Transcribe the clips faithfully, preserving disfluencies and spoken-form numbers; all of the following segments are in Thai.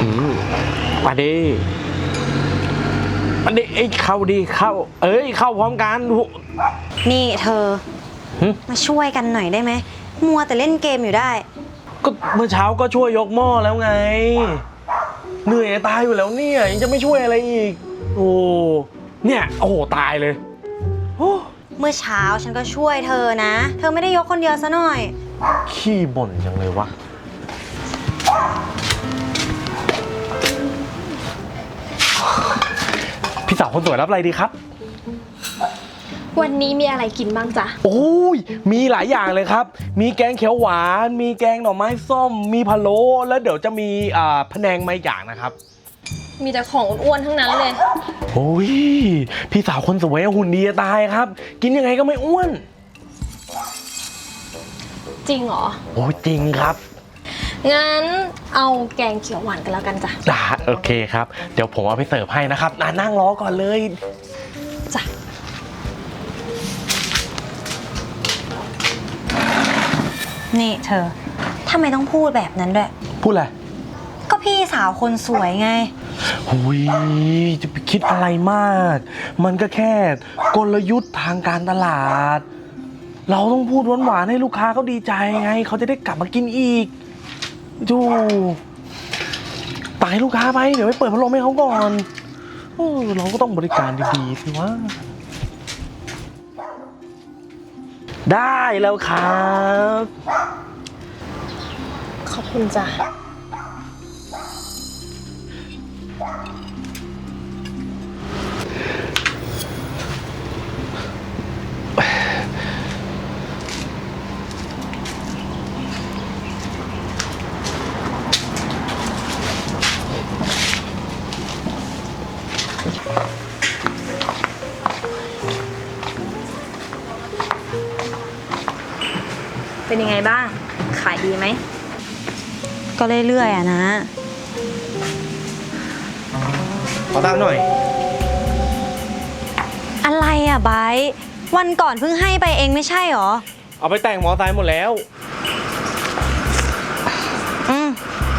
อืมมาดิมาดิไอ้เข้าดิเข้าเอ้ยเข้าพร้อมกันนี่เธอมาช่วยกันหน่อยได้ไหมมัวแต่เล่นเกมอยู่ได้ก็เมื่อเช้าก็ช่วยยกหม้อแล้วไงเหนื่อยตายอยู่แล้วเนี่ยยังจะไม่ช่วยอะไรอีกโอ้เนี่ยโอ้โหตายเลยเมื่อเช้าฉันก็ช่วยเธอนะเธอไม่ได้ยกคนเดียวซะหน่อยขี้บ่นจังเลยวะพี่สาวคนสวยรับอะไรดีครับวันนี้มีอะไรกินบ้างจ๊ะโอ้ยมีหลายอย่างเลยครับมีแกงเขียวหวานมีแกงหน่อไม้ส้มมีพะโล้แล้วเดี๋ยวจะมีอ่าพะแนงมาอย่างนะครับมีแต่ของอ้วนๆทั้งนั้นเลยโอ้ยพี่สาวคนสวยหุ่นดีจะตายครับกินยังไงก็ไม่อ้วนจริงเหรอโอ้จริงครับงั้นเอาแกงเขียวหวานกันแล้วกันจ้ะได้โอเคครับเดี๋ยวผมเอาไปเสิร์ฟให้นะครับนั่งรอก่อนเลยจ้ะนี่เธอทำไมต้องพูดแบบนั้นด้วยพูดอะไรก็พี่สาวคนสวยไงหุยจะไปคิดอะไรมากมันก็แค่กลยุทธ์ทางการตลาดเราต้องพูดหวานๆให้ลูกค้าเขาดีใจไงเขาจะได้กลับมากินอีกดูตายลูกค้าไปเดี๋ยวไปเปิดพัดลมให้เขาก่อนเออเราก็ต้องบริการดีๆสิวะได้แล้วครับขอบคุณจ้ะเป็นยังไงบ้างขายดีไหมก็เรื่อยๆอะนะขอตังค์หน่อยอะไรอะไบร์ทวันก่อนเพิ่งให้ไปเองไม่ใช่หรอเอาไปแต่งมอไซค์หมดแล้วอืม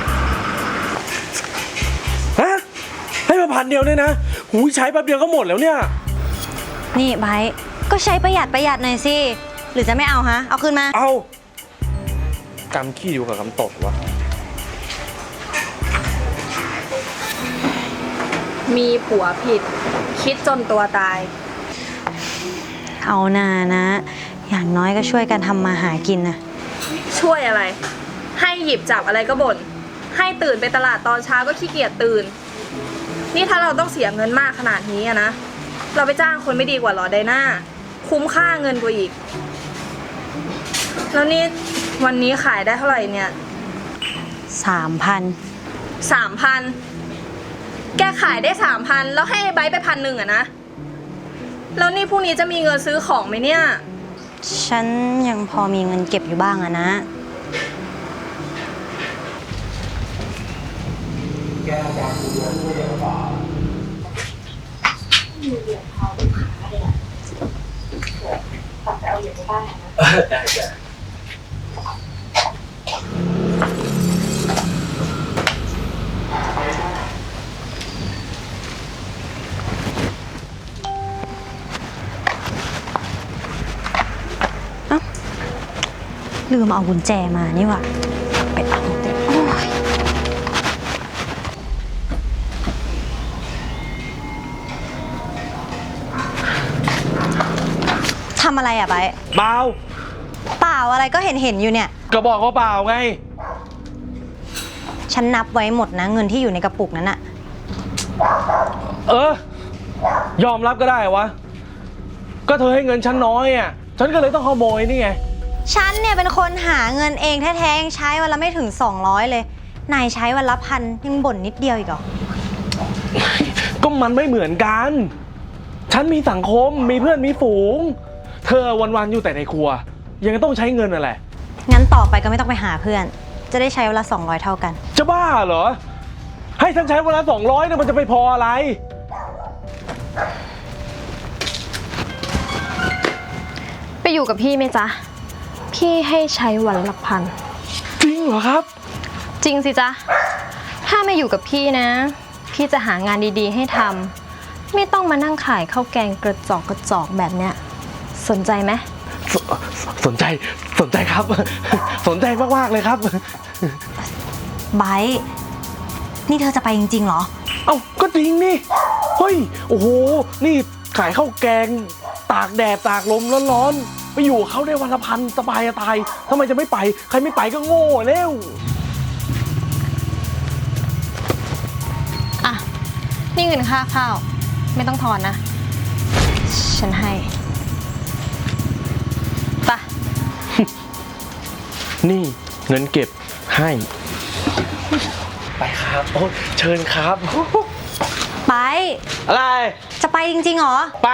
ฮะให้มาพันเดียวเนี่ยนะหูใช้แป๊บเดียวก็หมดแล้วเนี่ยนี่ไบร์ทก็ใช้ประหยัดประหยัดหน่อยสิหรือจะไม่เอาฮะเอาคืนมาเอากำขี้อยู่กับกำตดวะมีผัวผิดคิดจนตัวตายเอาหน่านะอย่างน้อยก็ช่วยกันทำมาหากินนะช่วยอะไรให้หยิบจับอะไรก็บ่นให้ตื่นไปตลาดตอนเช้าก็ขี้เกียจตื่นนี่ถ้าเราต้องเสียเงินมากขนาดนี้อะนะเราไปจ้างคนไม่ดีกว่าหรอไดน่าคุ้มค่าเงินกว่าอีกแล้วนี่วันนี้ขายได้เท่าไหร่เนี่ยสามพันสามพันแกขายได้สามพันแล้วให้ไบร์ทไปพันหนึ่งอะนะแล้วนี่พรุ่งนี้จะมีเงินซื้อของไหมเนี่ยฉันยังพอมีเงินเก็บอยู่บ้างอะนะแกอยากดูเรื่องนี้หรือเปล่ามีเหรียญทองลูกค้าเลยอะฝากเอาเหรียญไปบ้านนะได้จ้ะลืมเอากุญแจมานี่ว่ะไปเอาโอ้ยทำอะไรอ่ะไบร์ทเปล่าเปล่าอะไรก็เห็นเห็นอยู่เนี่ยก็บอกว่าเปล่าไงฉันนับไว้หมดนะเงินที่อยู่ในกระปุกนั้นอะเออยอมรับก็ได้วะก็เธอให้เงินฉันน้อยอ่ะฉันก็เลยต้องขโมยนี่ไงฉันเนี่ยเป็นคนหาเงินเองแท้ๆยังใช้วันละไม่ถึงสองร้อยเลยนายใช้วันละพันยังบ่นนิดเดียวอีกเหรอก็มันไม่เหมือนกันฉันมีสังคมมีเพื่อนมีฝูงเธอวันๆอยู่แต่ในครัวยังต้องใช้เงินอะไรงั้นต่อไปก็ไม่ต้องไปหาเพื่อนจะได้ใช้วันละสองร้อยเท่ากันจะบ้าเหรอให้ฉันใช้วันละสองร้อยเนี่ยมันจะไปพออะไรไปอยู่กับพี่ไหมจ๊ะพี่ให้ใช้วันละพันจริงเหรอครับจริงสิจ๊ะถถ้ามาอยู่กับพี่นะ พี่จะหางานดีๆให้ทำไม่ต้องมานั่งขายข้าวแกงกระจอกกระจอกแบบเนี้ยสนใจไหมสสนใจสนใจครับ สนใจมากๆเลยครับไบร์ทนี่เธอจะไปจริงๆเหรอเอ้าก็จริงนี่เฮ้ยโอ้โหนี่ขายข้าวแกงตากแดดตากลมร้อนๆไปอยู่กับเขาได้วันละพันสบายจะตายทำไมจะไม่ไปใครไม่ไปก็โง่แล้วอ่ะนี่เงินค่าข้าวไม่ต้องทอนนะ ฉันให้ไปะนี่เงินเก็บให้ไปครับโอ้เชิญครับไปอะไรจะไปจริงๆเหรอไป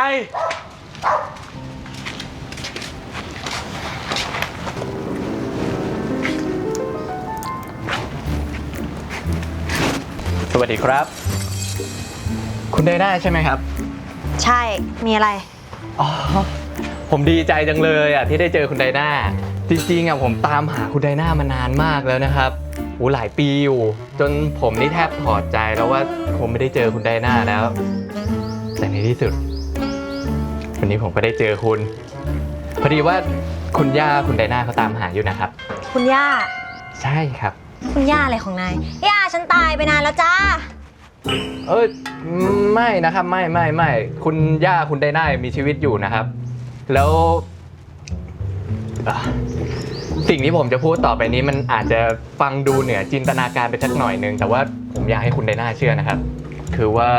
สวัสดีครับคุณไดน่าใช่ไหมครับใช่ มีอะไรอ๋อผมดีใจจังเลยอ่ะที่ได้เจอคุณไดน่าจริงๆอ่ะผมตามหาคุณไดน่ามานานมากแล้วนะครับโอ้หลายปีอยู่จนผมนี่แทบถอดใจแล้วว่าผมไม่ได้เจอคุณไดน่าแล้วแต่ในที่สุดวันนี้ผมก็ได้เจอคุณพอดีว่าคุณย่าคุณไดน่าเขาตามหาอยู่นะครับคุณย่าใช่ครับคุณย่าอะไรของนาย ย่าฉันตายไปนานแล้วจ้าเอ้ยไม่นะครับไม่ไม่ไม่คุณย่าคุณไดน่ามีชีวิตอยู่นะครับแล้วอ่ะสิ่งที่ผมจะพูดต่อไปนี้มันอาจจะฟังดูเหนือจินตนาการไปสักหน่อยนึงแต่ว่าผมอยากให้คุณไดน่าเชื่อนะครับคือว่า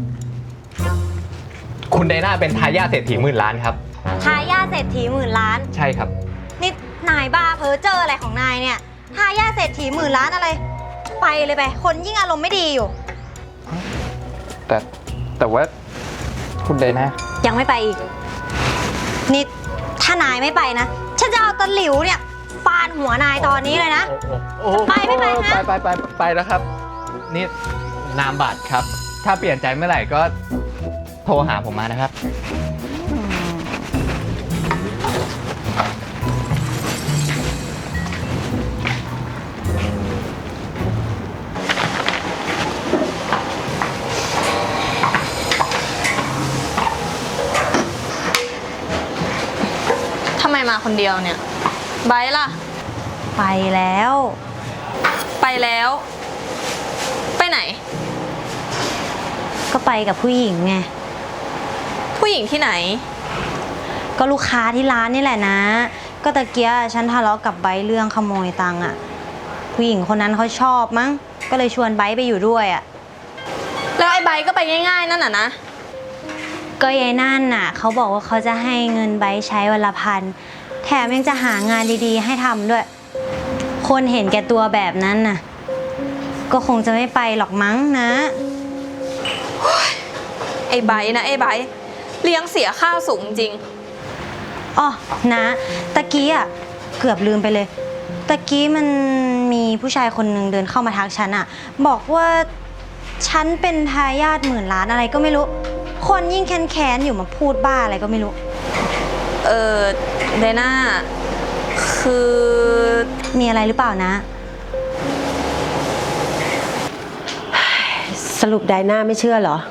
คุณไดน่าเป็นทายาทเศรษฐีหมื่นล้านครับทายาทเศรษฐีหมื่นล้านใช่ครับนี่นายบ้าเพ้อเจออะไรของนายเนี่ย ทายาทเศรษฐีหมื่นล้านอะไร ไปเลยไป คนยิ่งอารมณ์ไม่ดีอยู่แต่แต่ว่าคุณไดน่ายังไม่ไปอีก นี่ถ้านายไม่ไปนะ ฉันจะเอาตะหลิวเนี่ยฟาดหัวนายตอนนี้เลยนะโอ้จะไปไม่ไปฮะไปไปไปไปแล้วครับนี่นามบัตรครับถ้าเปลี่ยนใจเมื่อไหร่ก็โทรหาผมมานะครับทำไมมาคนเดียวเนี่ยไบร์ทล่ะไปแล้วไปแล้ว ไปไหนก็ไปกับผู้หญิงไงผู้หญิงที่ไหนก็ลูกค้าที่ร้านนี่แหละนะ ก็ตะเกียฉันทะเลาะกับไบร์ทเรื่องขโมยตังค์อะผู้หญิงคนนั้นเขาชอบมั้ง ก็เลยชวนไบร์ทไปอยู่ด้วยอะแล้วไอ้ไบร์ทก็ไปง่ายๆนั่นน่ะนะก็ยายนั่นน่ะเขาบอกว่าเขาจะให้เงินไบร์ทใช้วันละพัน แถมยังจะหางานดีๆให้ทำด้วย คนเห็นแก่ตัวแบบนั้นน่ะ ก็คงจะไม่ไปหรอกมั้งนะไอ้ไบร์ทนะไอ้ไบร์ทเลี้ยงเสียข้าวสูงจริงอ๋อนะตะกี้อ่ะเกือบลืมไปเลย ตะกี้มันมีผู้ชายคนหนึ่งเดินเข้ามาทักฉันอ่ะ บอกว่าฉันเป็นทายาทหมื่นล้านอะไรก็ไม่รู้ คนยิ่งแค้นๆอยู่มาพูดบ้าอะไรก็ไม่รู้เออไดน่าคือมีอะไรหรือเปล่านะสรุปไดน่าไม่เชื่อเหรอ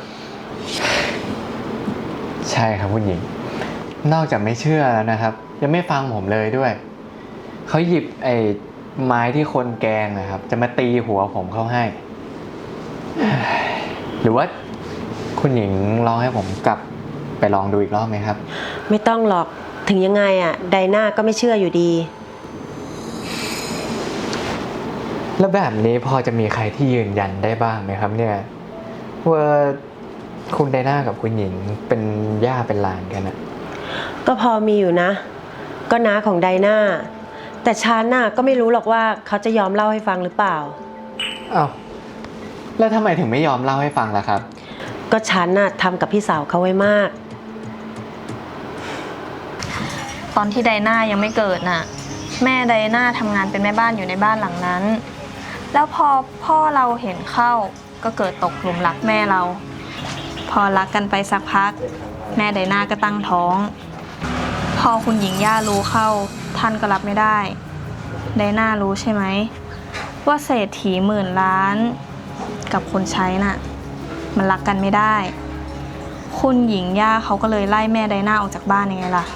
ใช่ครับคุณหญิง นอกจากไม่เชื่อแล้วนะครับ ยังไม่ฟังผมเลยด้วยเขาหยิบไอ้ไม้ที่คนแกงนะครับ จะมาตีหัวผมเข้าให้ หรือว่าคุณหญิงลองให้ผมกลับไปลองดูอีกรอบไหมครับไม่ต้องหรอกถึงยังไงอ่ะไดน่าก็ไม่เชื่ออยู่ดีแล้วแบบนี้พอจะมีใครที่ยืนยันได้บ้างไหมครับเนี่ยว่าคุณไดน่ากับคุณหญิงเป็นย่าเป็นหลานกันนะก็พอมีอยู่นะ ก็น้าของไดน่าแต่ฉันน่ะก็ไม่รู้หรอกว่าเขาจะยอมเล่าให้ฟังหรือเปล่าอ้าวแล้วทำไมถึงไม่ยอมเล่าให้ฟังล่ะครับก็ฉันน่ะทำกับพี่สาวเขาไว้มากตอนที่ไดน่ายังไม่เกิดน่ะ แม่ไดน่าทำงานเป็นแม่บ้านอยู่ในบ้านหลังนั้น แล้วพอพ่อเราเห็นเข้าก็เกิดตกหลุมรักแม่เรา พอรักกันไปสักพัก แม่ไดน่าก็ตั้งท้อง พอคุณหญิงย่ารู้เข้าท่านก็รับไม่ได้ไดน่ารู้ใช่ไหมว่าเศรษฐีหมื่นล้านกับคนใช้น่ะมันรักกันไม่ได้ คุณหญิงย่าเขาก็เลยไล่แม่ไดนาออกจากบ้านยังไงล่ะ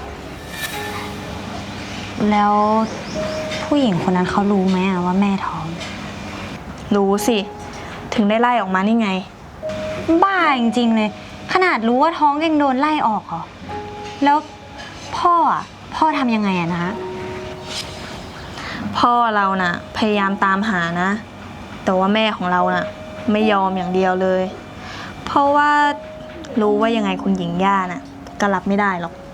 แล้วผู้หญิงคนนั้นเขารู้ไหมอะว่าแม่ท้องรู้สิ ถึงได้ไล่ออกมานี่ไงบ้าจริงๆเลย ขนาดรู้ว่าท้องยังโดนไล่ออกเหรอ แล้วพ่ออะพ่อทำยังไงอะนะพ่อเราน่ะพยายามตามหานะ แต่ว่าแม่ของเราน่ะไม่ยอมอย่างเดียวเลย เพราะว่ารู้ว่ายังไงคุณหญิงย่าน่ะก็รับไม่ได้หรอก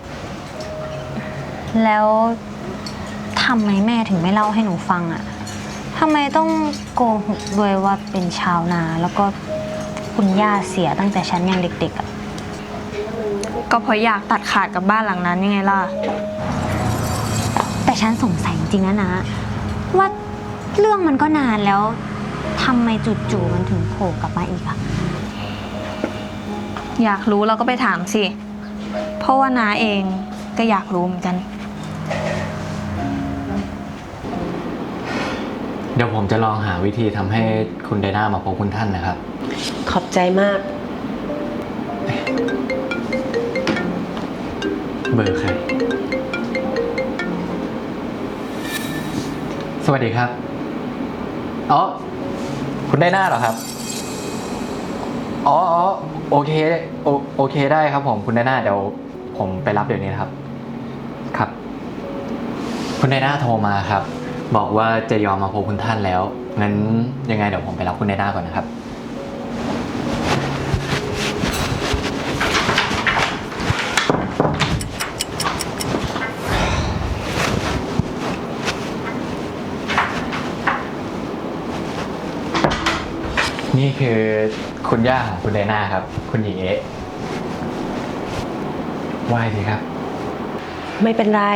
แล้วทำไมแม่ถึงไม่เล่าให้หนูฟังอะทำไมต้องโกหกด้วยว่าเป็นชาวนา แล้วก็คุณย่าเสียตั้งแต่ฉันยังเด็กๆอะก็เพราะอยากตัดขาดกับบ้านหลังนั้นยังไงล่ะแต่ฉันสงสัยจริงๆนะนะว่าเรื่องมันก็นานแล้วทำไมจู่ๆมันถึงโผล่กลับมาอีกอะอยากรู้เราก็ไปถามสิ เพราะว่าน้าเองก็อยากรู้เหมือนกันเดี๋ยวผมจะลองหาวิธีทำให้คุณไดนามาพบคุณท่านนะครับขอบใจมากเบอร์ใคร สวัสดีครับ อ๋อ คุณไดนาเหรอครับ อ๋ออ๋อโอเคโอโอเคได้ครับผม คุณไดนาเดี๋ยวผมไปรับเดี๋ยวนี้นะครับ ครับ คุณไดนาโทรมาครับ บอกว่าจะยอมมาพบคุณท่านแล้ว งั้นยังไงเดี๋ยวผมไปรับคุณไดนาก่อนนะครับ นี่คือคุณย่าของคุณไดนาครับ คุณหญิงเอ๊ะไหว้สิครับไม่เป็นไร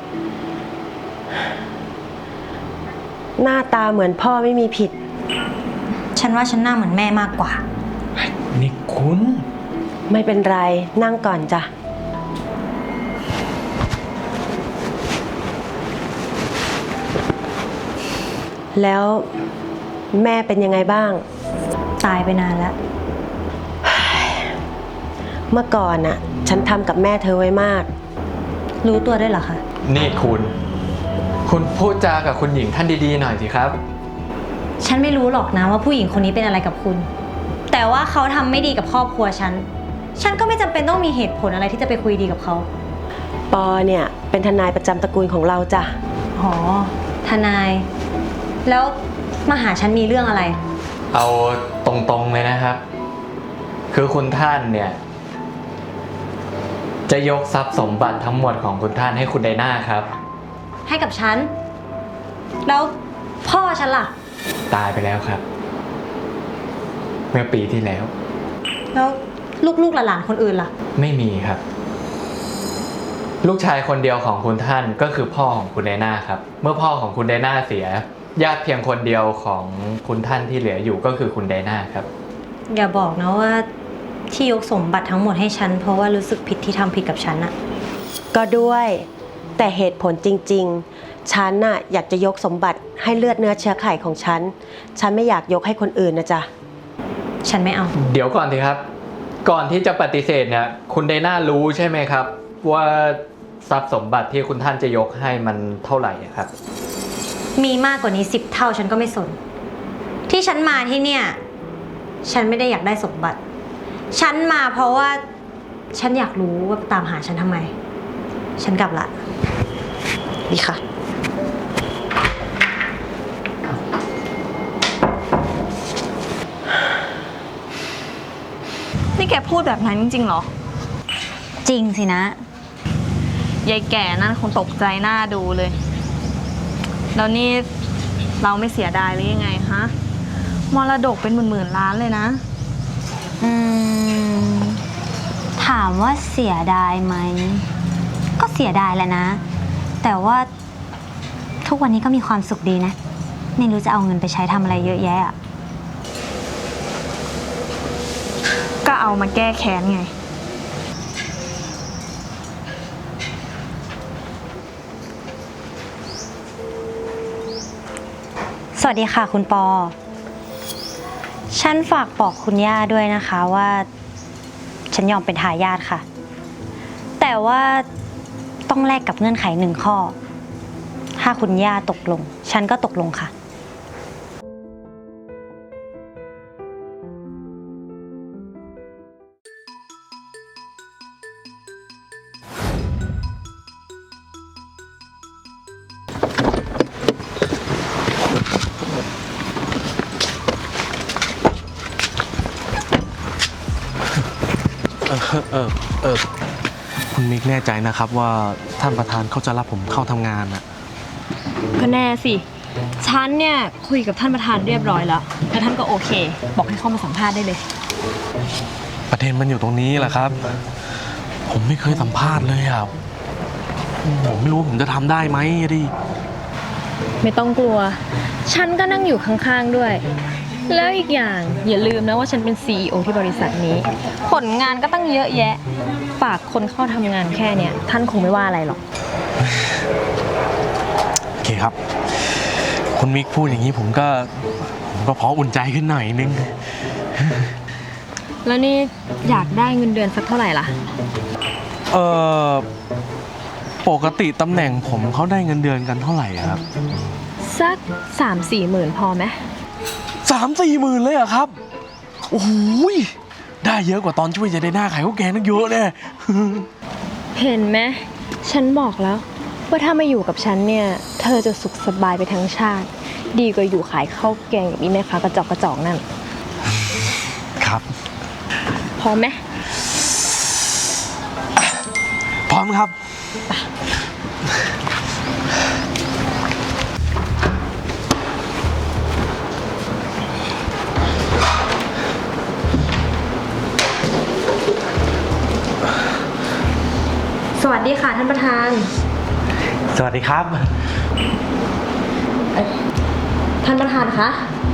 หน้าตาเหมือนพ่อไม่มีผิดฉันว่าฉันหน้าเหมือนแม่มากกว่านี่คุณไม่เป็นไร นั่งก่อนจ้ะ แล้วแม่เป็นยังไงบ้างตายไปนานแล้วเมื่อก่อนน่ะ ฉันทำกับแม่เธอไว้มากรู้ตัวได้วยเหรอคะนี่คุณ คุณพูดจากับคุณหญิงท่านดีๆหน่อยสิครับฉันไม่รู้หรอกนะว่าผู้หญิงคนนี้เป็นอะไรกับคุณ แต่ว่าเขาทำไม่ดีกับครอบครัวฉัน ฉันก็ไม่จำเป็นต้องมีเหตุผลอะไรที่จะไปคุยดีกับเขาปอเนี่ยเป็นทนายประจำตระกูลของเราจ้ะอ๋อ ทนาย แล้วมาหาฉันมีเรื่องอะไรเอาตรงๆเลยนะครับ คือคุณท่านเนี่ย จะยกทรัพย์สมบัติทั้งหมดของคุณท่านให้คุณไดนาครับให้กับฉัน แล้วพ่อฉันล่ะตายไปแล้วครับ เมื่อปีที่แล้วแล้วลูกๆหลานๆคนอื่นล่ะไม่มีครับ ลูกชายคนเดียวของคุณท่านก็คือพ่อของคุณไดนาครับ เมื่อพ่อของคุณไดนาเสีย ญาติเพียงคนเดียวของคุณท่านที่เหลืออยู่ก็คือคุณไดนาครับอย่าบอกนะว่าที่ยกสมบัติทั้งหมดให้ฉันเพราะว่ารู้สึกผิดที่ทำผิดกับฉันอะก็ด้วย แต่เหตุผลจริงๆ ฉันน่ะอยากจะยกสมบัติให้เลือดเนื้อเชื้อไขของฉัน ฉันไม่อยากยกให้คนอื่นนะจ๊ะฉันไม่เอาเดี๋ยวก่อนสิครับ ก่อนที่จะปฏิเสธเนี่ย คุณไดนารู้ใช่ไหมครับ ว่าทรัพย์สมบัติที่คุณท่านจะยกให้มันเท่าไหร่ครับมีมากกว่านี้สิบเท่าฉันก็ไม่สน ที่ฉันมาที่เนี่ย ฉันไม่ได้อยากได้สมบัติ ฉันมาเพราะว่าฉันอยากรู้ว่าตามหาฉันทำไม ฉันกลับละดีค่ะนี่แกพูดแบบนั้นจริงๆเหรอจริงสินะยายแก่นั่นคงตกใจหน้าดูเลย แล้วนี่เราไม่เสียดายหรือยังไงฮะ มรดกเป็นหมื่นๆล้านเลยนะอืม ถามว่าเสียดายไหม ก็เสียดายแหละนะ แต่ว่าทุกวันนี้ก็มีความสุขดีนะ ไม่รู้จะเอาเงินไปใช้ทำอะไรเยอะแยะอะก็เอามาแก้แค้นไงสวัสดีค่ะคุณปอฉันฝากบอกคุณย่าด้วยนะคะว่า ฉันยอมเป็นทายาทค่ะ แต่ว่าต้องแลกกับเงื่อนไขหนึ่งข้อ ถ้าคุณย่าตกลง ฉันก็ตกลงค่ะเออเออเออคุณมิกแน่ใจนะครับว่าท่านประธานเขาจะรับผมเข้าทำงานอ่ะก็แน่สิ ฉันเนี่ยคุยกับท่านประธานเรียบร้อยแล้วแล้วท่านก็โอเค บอกให้เข้ามาสัมภาษณ์ได้เลยประเด็นมันอยู่ตรงนี้แหละครับ ผมไม่เคยสัมภาษณ์เลยอ่ะผมไม่รู้ว่าผมจะทำได้ไหมดิไม่ต้องกลัว ฉันก็นั่งอยู่ข้างๆด้วย แล้วอีกอย่างอย่าลืมนะว่าฉันเป็น ซี อี โอ ที่บริษัทนี้ ผลงานก็ตั้งเยอะแยะ ฝากคนเข้าทำงานแค่เนี้ยท่านคงไม่ว่าอะไรหรอกโอเคครับ คุณมิกพูดอย่างนี้ผมก็ผมก็พออุ่นใจขึ้นหน่อยนึงแล้วนี่อยากได้เงินเดือนสักเท่าไหร่ล่ะเออปกติตำแหน่งผมเขาได้เงินเดือนกันเท่าไหร่อะครับสักสามสี่หมื่นพอไหมสามสี่หมื่นเลยเหรอะครับโอ้โหยได้เยอะกว่าตอนช่วยจะได้หน้าขายข้าวแกงตั้งเยอะแน่เห็นไหมฉันบอกแล้ว ว่าถ้ามาอยู่กับฉันเนี่ยเธอจะสุขสบายไปทั้งชาติ ดีกว่าอยู่ขายข้าวแกงกับอีแม่ค้ากระจอกกระจอกนั่นครับพอไหมพร้อมครับสวัสดีค่ะท่านประธานสวัสดีครับท่านประธานคะ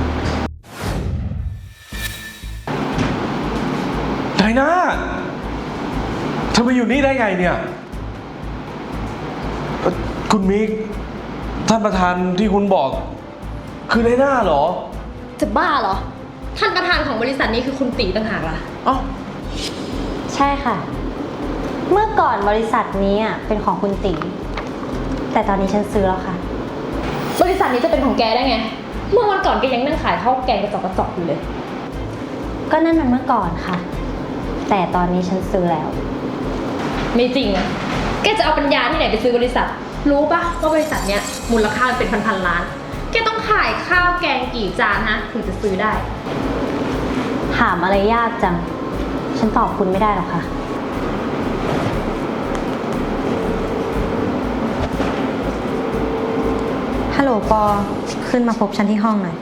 ไดนาเธอมาอยู่นี่ได้ไงเนี่ยเอ่อคุณมิกท่านประธานที่คุณบอก คือไดนาเหรอจะบ้าเหรอ ท่านประธานของบริษัทนี้คือคุณตีต่างหากล่ะเอ้าใช่ค่ะ เมื่อก่อนบริษัทนี้อ่ะเป็นของคุณตี แต่ตอนนี้ฉันซื้อแล้วค่ะบริษัทนี้จะเป็นของแกได้ไง เมื่อวันก่อนแกยังนั่งขายข้าวแกงกระจอกกระจอกอยู่เลยก็นั่นมันเมื่อก่อนค่ะ แต่ตอนนี้ฉันซื้อแล้วไม่จริงอะแกจะเอาปัญญาที่ไหนไปซื้อบริษัท รู้ปะว่าบริษัทเนี้ยมูลค่ามันเป็นพันๆล้าน แกต้องขายข้าวแกงกี่จานฮะถึงจะซื้อได้ถามอะไรยากจัง ฉันตอบคุณไม่ได้หรอกค่ะ ฮัลโหลปอ ขึ้นมาพบฉันที่ห้องหน่อย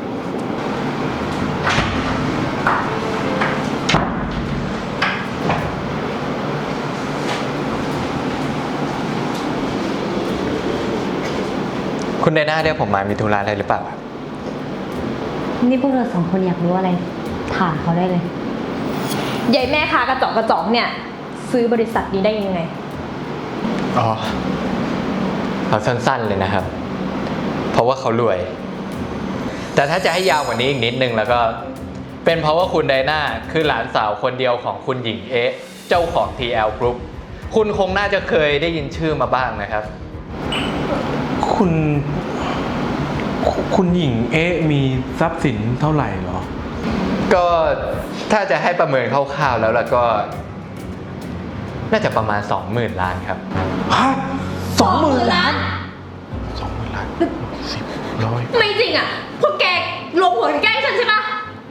คุณไดน่าเรียกผมมามีธุระอะไรหรือเปล่าครับนี่พวกเราสองคนอยากรู้อะไร ถามเขาได้เลยยายแม่ค้ากระจอกกระจอกเนี่ย ซื้อบริษัทนี้ได้ยังไงอ๋อเอาสั้นๆเลยนะครับ เพราะว่าเขารวย แต่ถ้าจะให้ยาวกว่านี้อีกนิดนึงแล้วก็ เป็นเพราะว่าคุณไดน่าคือหลานสาวคนเดียวของคุณหญิงเอ๊ะเจ้าของ ที แอล Group คุณคงน่าจะเคยได้ยินชื่อมาบ้างนะครับคุณคุคุณหญิงเอ๊ะมีทรัพย์สินเท่าไหร่เหรอก็ถ้าจะให้ประเมินคร่าวๆแล้วแล้วก็ น่าจะประมาณ สองหมื่น ล้านครับฮะสองหมื่นล้านสองหมื่นล้านสิบร้อยไม่จริงอะพวกแกลงหัวแกล้งฉันใช่ปะ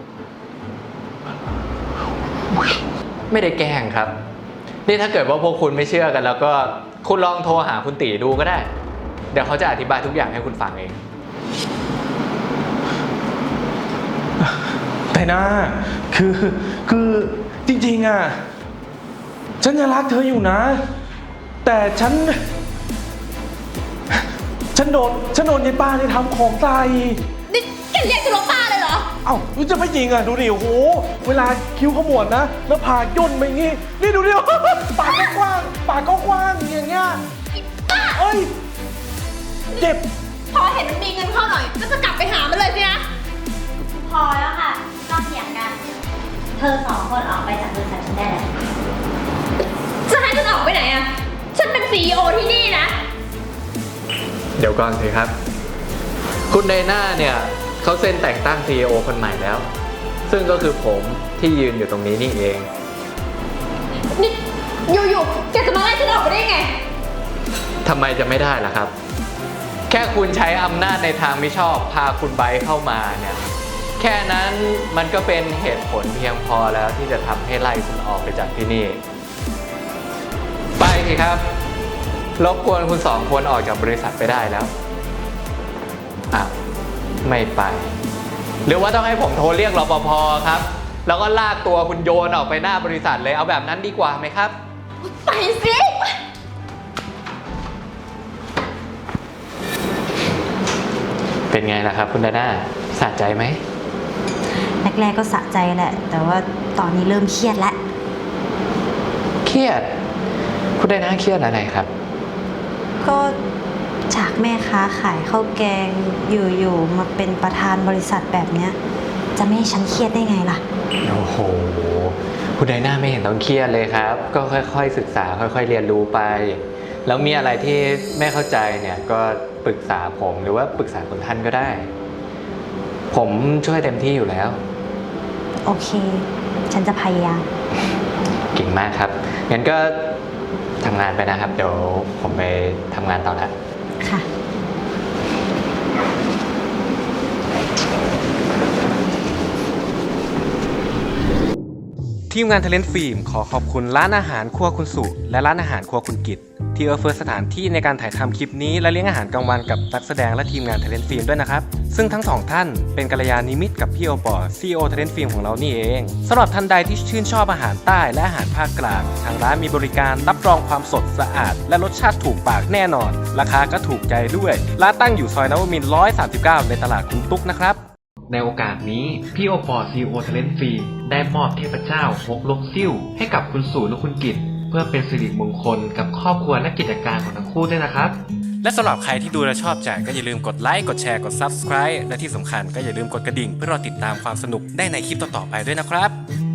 ไม่ได้แกล้งครับ นี่ถ้าเกิดว่าพวกคุณไม่เชื่อกันแล้วก็คุณลองโทรหาคุณตีดูก็ได้ เดี๋ยวเขาจะอธิบายทุกอย่างให้คุณฟังเองแต่นะคือคือจริงๆอ่ะฉันยังรักเธออยู่นะ แต่ฉัน ฉันโดนฉันโดนยายป้าที่ทำของใส่นี่แกเรียกฉันว่าป้าเลยเหรอเอ้ารู้จะไม่จริงอ่ะดูดิโอ้โหเวลาคิ้วขมวดนะแล้วผากย่นไปอย่างงี้นี่ดูดิ ปากก็กว้างปากก็กว้างอย่างเงี้ยเอ้ยเจ็บพอเห็นมันมีเงินเข้าหน่อย ก็จะกลับไปหามันเลยสินะพอแล้วค่ะ เราเธอสองคนออกไปจากบริษัทฉันได้แล้วจะให้ฉันออกไปไหนอะฉันเป็นซีอีโอที่นี่นะเดี๋ยวก่อนสิครับ คุณไดน่าเนี่ยเขาเซ็นแต่งตั้ง ซี อี โอ คนใหม่แล้ว ซึ่งก็คือผมที่ยืนอยู่ตรงนี้นี่เองนี่อยู่ๆแกจะมาไล่ฉันออกไปได้ไงทำไมจะไม่ได้ล่ะครับ แค่คุณใช้อำนาจในทางมิชอบพาคุณไบร์ทเข้ามาเนี่ย แค่นั้นมันก็เป็นเหตุผลเพียงพอแล้วที่จะทำให้ไล่คุณออกไปจากที่นี่ ไปสิครับ รบกวนคุณสองคนออกจากบริษัทไปได้แล้วอ่ะไม่ไป หรือว่าต้องให้ผมโทรเรียกรปภครับ แล้วก็ลากตัวคุณโยนออกไปหน้าบริษัทเลยเอาแบบนั้นดีกว่าไหมครับไปสิเป็นไงล่ะครับคุณไดน่าสะใจไหมแรกๆก็สะใจแหละ แต่ว่าตอนนี้เริ่มเครียดแล้วเครียด คุณไดน่าเครียดอะไรครับก็จากแม่ค้าขายข้าวแกงอยู่ๆมาเป็นประธานบริษัทแบบเนี้ยจะไม่ให้ฉันเครียดได้ไงล่ะโอ้โห คุณไดน่าไม่เห็นต้องเครียดเลยครับ ก็ค่อยๆศึกษาค่อยๆเรียนรู้ไป แล้วมีอะไรที่ไม่เข้าใจเนี่ยก็ปรึกษาผมหรือว่าปรึกษาคุณท่านก็ได้ ผมช่วยเต็มที่อยู่แล้วโอเค ฉันจะพยายามเก่งมากครับ งั้นก็ทำงานไปนะครับ เดี๋ยวผมไปทำงานต่อละค่ะทีมงานเทเลนต์ฟิล์มขอขอบคุณร้านอาหารครัวคุณสุและร้านอาหารครัวคุณกิตที่เอื้อเฟื้อสถานที่ในการถ่ายทำคลิปนี้และเลี้ยงอาหารกลางวันกับนักแสดงและทีมงานเทเลนต์ฟิล์มด้วยนะครับซึ่งทั้งสองท่านเป็นกัลยาณมิตรกับพี่โอปอ ซี อี โอ เทเลนต์ฟิล์มของเรานี่เองสำหรับท่านใดที่ชื่นชอบอาหารใต้และอาหารภาคกลางทางร้านมีบริการรับรองความสดสะอาดและรสชาติถูกปากแน่นอนราคาก็ถูกใจด้วยร้านตั้งอยู่ซอยนวมินทร์หนึ่งร้อยสามสิบเก้าในตลาดคุณตุ๊กนะครับในโอกาสนี้พี่โอปอ ซี อี โอ Talent Film ได้มอบเทพเจ้าฮกลกซิ่วให้กับคุณสู่และคุณกิตเพื่อเป็นสิริมงคลกับครอบครัวและกิจการของทั้งคู่ด้วยนะครับและสำหรับใครที่ดูและชอบใจก็อย่าลืมกดไลค์กดแชร์กด ซับสไครบ์ และที่สำคัญก็อย่าลืมกดกระดิ่งเพื่อรอติดตามความสนุกได้ในคลิปต่อๆไปด้วยนะครับ